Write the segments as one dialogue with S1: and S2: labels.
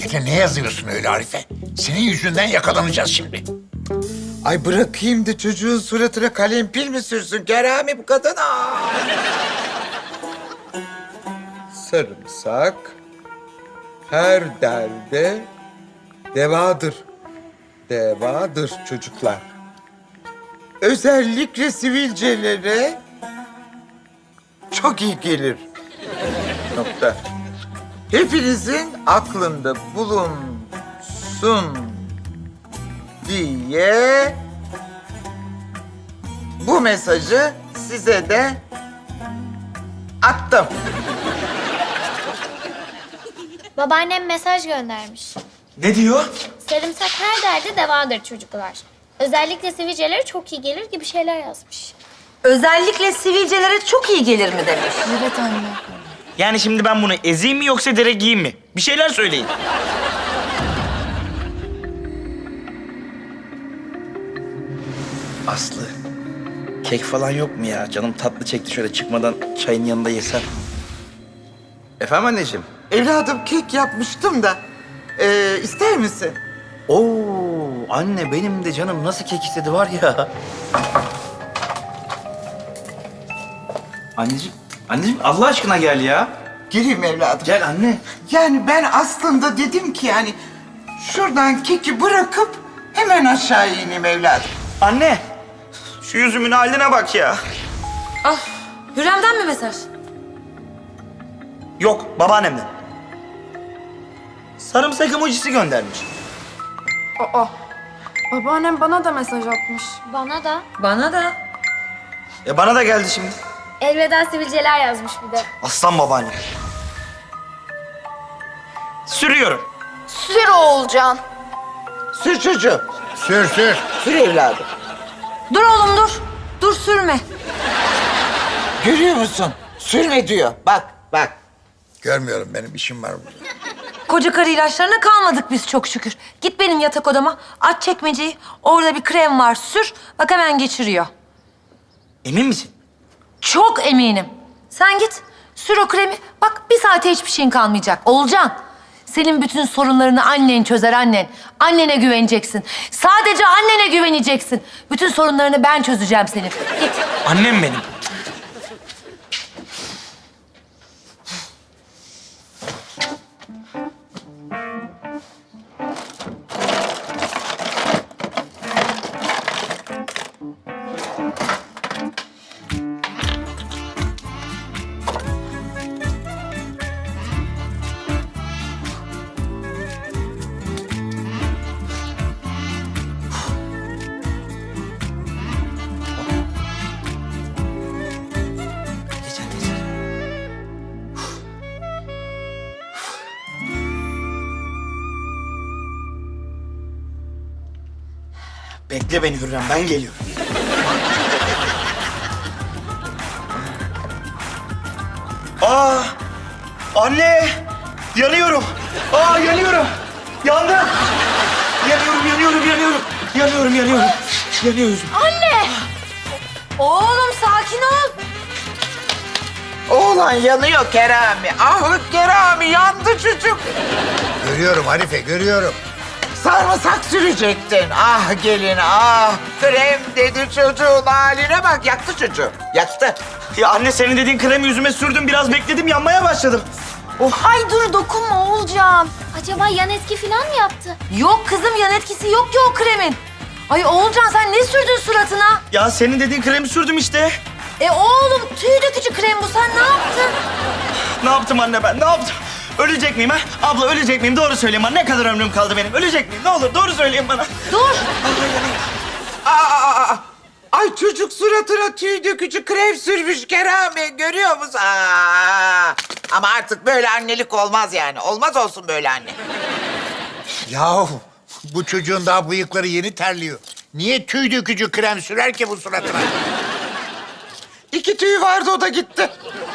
S1: Gene ne yazıyorsun öyle Arife? Senin yüzünden yakalanacağız şimdi.
S2: Ay bırakayım da çocuğun suratına kalem pil mi sürsün Kerami bu kadın? Sarımsak her derde devadır. Devadır çocuklar. Özellikle sivilcelere çok iyi gelir. Nokta. Hepinizin aklında bulunsun diye bu mesajı size de attım.
S3: Babaannem mesaj göndermiş.
S4: Ne diyor?
S3: Sarımsak her derde devadır çocuklar. Özellikle sivilcelere çok iyi gelir gibi şeyler yazmış.
S5: Özellikle sivilcelere çok iyi gelir mi demiş.
S3: Evet anne.
S4: Yani şimdi ben bunu ezeyim mi yoksa direkt giyeyim mi? Bir şeyler söyleyin. Aslı, kek falan yok mu ya? Canım tatlı çekti, şöyle çıkmadan çayın yanında yesem. Efendim anneciğim?
S2: Evladım kek yapmıştım da ister misin?
S4: Oo, anne benim de canım nasıl kek istedi var ya. Anneciğim Allah aşkına gel ya.
S2: Gireyim evladım.
S4: Gel anne.
S2: Yani ben aslında dedim ki yani şuradan keki bırakıp hemen aşağı ineyim evladım.
S4: Anne, şu yüzümün haline bak ya.
S5: Ah, Hürrem'den mi mesaj?
S4: Yok, babaannemden. Sarımsak emojisi göndermiş.
S6: Aa, babaannem bana da mesaj atmış.
S3: Bana da
S5: Bana da.
S4: Bana da geldi şimdi.
S3: elveda sivilceler yazmış bir de.
S4: Aslan babaannem. Sürüyorum.
S6: Sür Oğulcan.
S2: Sür çocuğum.
S1: Sür sür.
S2: Sür evladım.
S5: Dur oğlum dur. Dur sürme.
S2: Görüyor musun? Sürme diyor. Bak bak.
S1: Görmüyorum, benim işim var burada.
S5: Koca karı ilaçlarına kalmadık biz çok şükür. Git benim yatak odama, aç çekmeceyi. Orada bir krem var, sür. Bak hemen geçiriyor.
S4: Emin misin?
S5: Çok eminim. Sen git, sür o kremi. Bak bir saate hiçbir şeyin kalmayacak. Olcan, senin bütün sorunlarını annen çözer annen. Annene güveneceksin. Sadece annene güveneceksin. Bütün sorunlarını ben çözeceğim senin. Git.
S4: Annem benim. Geçer geçer. Bekle beni Hürrem, ben geliyorum. Aa! Anne! Yanıyorum! Aa yanıyorum! Yandım! Yanıyorum. Yanıyoruz.
S5: Oğlum sakin ol.
S2: Oğlan yanıyor Kerami. Ah Kerami yandı çocuk.
S1: Görüyorum Arife, görüyorum.
S2: Sarımsak sürecektin. Ah gelin ah. Krem dedi çocuğun haline bak. Yaktı çocuğu. Yaktı.
S4: Ya anne senin dediğin kremi yüzüme sürdüm, biraz bekledim, yanmaya başladım.
S5: Ay dur dokunma Oğulcan.
S3: Acaba yan etki falan mı yaptı?
S5: Yok kızım yan etkisi yok ki o kremin. Ay Oğulcan sen ne sürdün suratına?
S4: Ya senin dediğin kremi sürdüm işte.
S5: Oğlum tüy dökücü krem bu sen ne yaptın?
S4: Ne yaptım anne ben, ne yaptım? Ölecek miyim ha? Abla ölecek miyim? Doğru söyleyeyim bana. Ne kadar ömrüm kaldı benim? Ölecek miyim? Ne olur doğru söyleyin bana.
S5: Dur.
S2: Ay çocuk suratına tüy dökücü krem sürmüş Kerami. Görüyor musun? Ama artık böyle annelik olmaz yani. Olmaz olsun böyle anne.
S1: Yahu bu çocuğun daha bıyıkları yeni terliyor. Niye tüy dökücü krem sürer ki bu suratına?
S2: 2 tüy vardı o da gitti.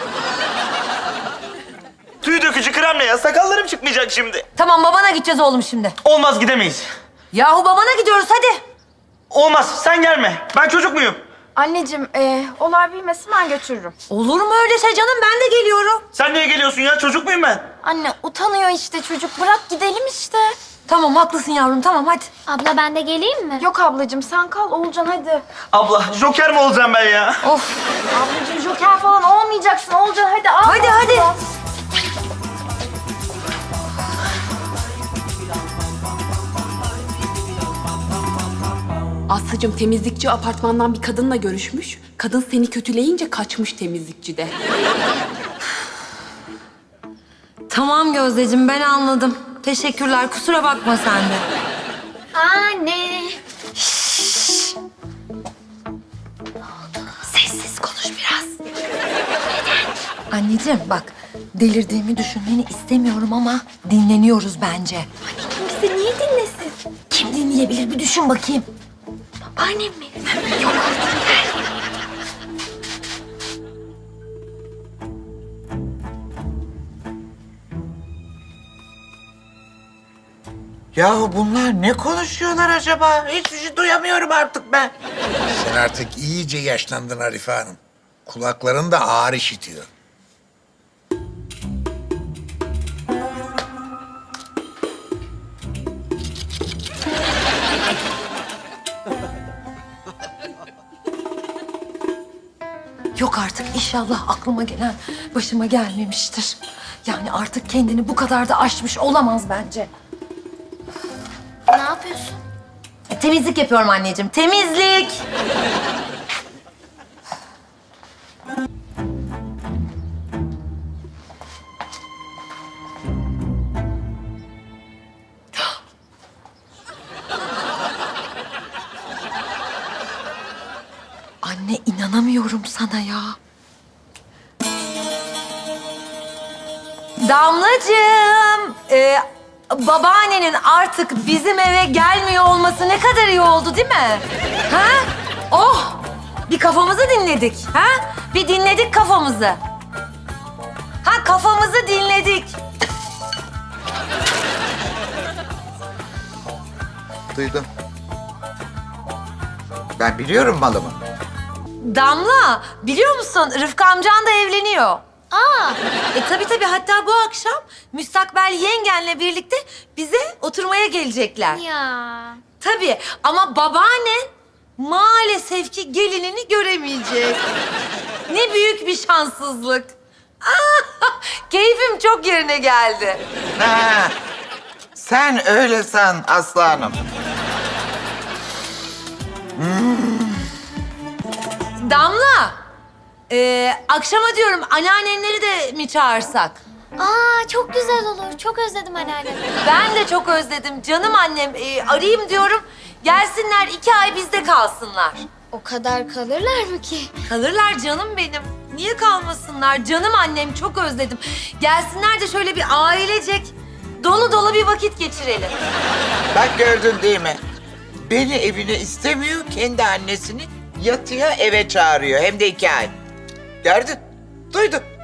S4: Tüy dökücü krem ne ya? Sakallarım çıkmayacak şimdi.
S5: Tamam babana gideceğiz oğlum şimdi.
S4: Olmaz, gidemeyiz.
S5: Yahu babana gidiyoruz hadi.
S4: Olmaz, sen gelme. Ben çocuk muyum?
S6: Anneciğim olay bilmesin ben götürürüm.
S5: Olur mu öyle şey canım? Ben de geliyorum.
S7: Sen niye geliyorsun ya? Çocuk muyum ben?
S6: Anne utanıyor işte çocuk. Bırak gidelim işte.
S5: Tamam haklısın yavrum tamam hadi.
S3: Abla ben de geleyim mi?
S6: Yok ablacığım sen kal Oğulcan hadi.
S7: Abla, joker mi olacağım ben ya?
S5: Of.
S6: Ablacığım joker falan olmayacaksın Oğulcan hadi al.
S5: Hadi hadi.
S8: Aslıcığım temizlikçi apartmandan bir kadınla görüşmüş. Kadın seni kötüleyince kaçmış temizlikçi de.
S5: Tamam Gözdeciğim ben anladım. Teşekkürler kusura bakma sen de.
S3: Anne.
S5: Sessiz konuş biraz. Anneciğim bak delirdiğimi düşünmeni istemiyorum ama dinleniyoruz bence.
S3: Bizi niye dinlesin?
S5: Kim dinleyebilir bir düşün bakayım.
S3: Babaannem mi?
S2: Yahu bunlar ne konuşuyorlar acaba? Hiçbir şey duyamıyorum artık ben.
S1: Sen artık iyice yaşlandın Arife Hanım. Kulakların da ağır işitiyor.
S5: Yok artık inşallah aklıma gelen başıma gelmemiştir. Yani artık kendini bu kadar da aşmış olamaz bence.
S3: Ne yapıyorsun?
S5: Temizlik yapıyorum anneciğim. Temizlik. Anne inanamıyorum sana ya. Damlacığım, babaannenin artık bizim eve gelmiyor olması ne kadar iyi oldu değil mi? Ha? Oh! Bir kafamızı dinledik, ha? Bir dinledik kafamızı. Ha kafamızı dinledik.
S2: Duydum. Ben biliyorum malımı.
S5: Damla, biliyor musun Rıfkı amcan da evleniyor.
S3: Aa,
S5: Tabii hatta bu akşam müstakbel yengenle birlikte bize oturmaya gelecekler.
S3: ya.
S5: Tabii ama babaannen maalesef ki gelinini göremeyecek. Ne büyük bir şanssızlık. Keyfim çok yerine geldi.
S2: Ha, sen öyle san Aslı Hanım.
S5: Damla, akşama diyorum anneannenleri de mi çağırsak?
S3: Aa, çok güzel olur. Çok özledim anneannemi.
S5: Ben de çok özledim canım annem. Arayayım diyorum. Gelsinler 2 ay bizde kalsınlar.
S3: O kadar kalırlar mı ki?
S5: Kalırlar canım benim. Niye kalmasınlar? Canım annem çok özledim. Gelsinler de şöyle bir ailecek dolu dolu bir vakit geçirelim.
S2: Bak gördün değil mi? Beni evine istemiyor, kendi annesini yatıya eve çağırıyor. Hem de 2 ay. Gördün, duydun.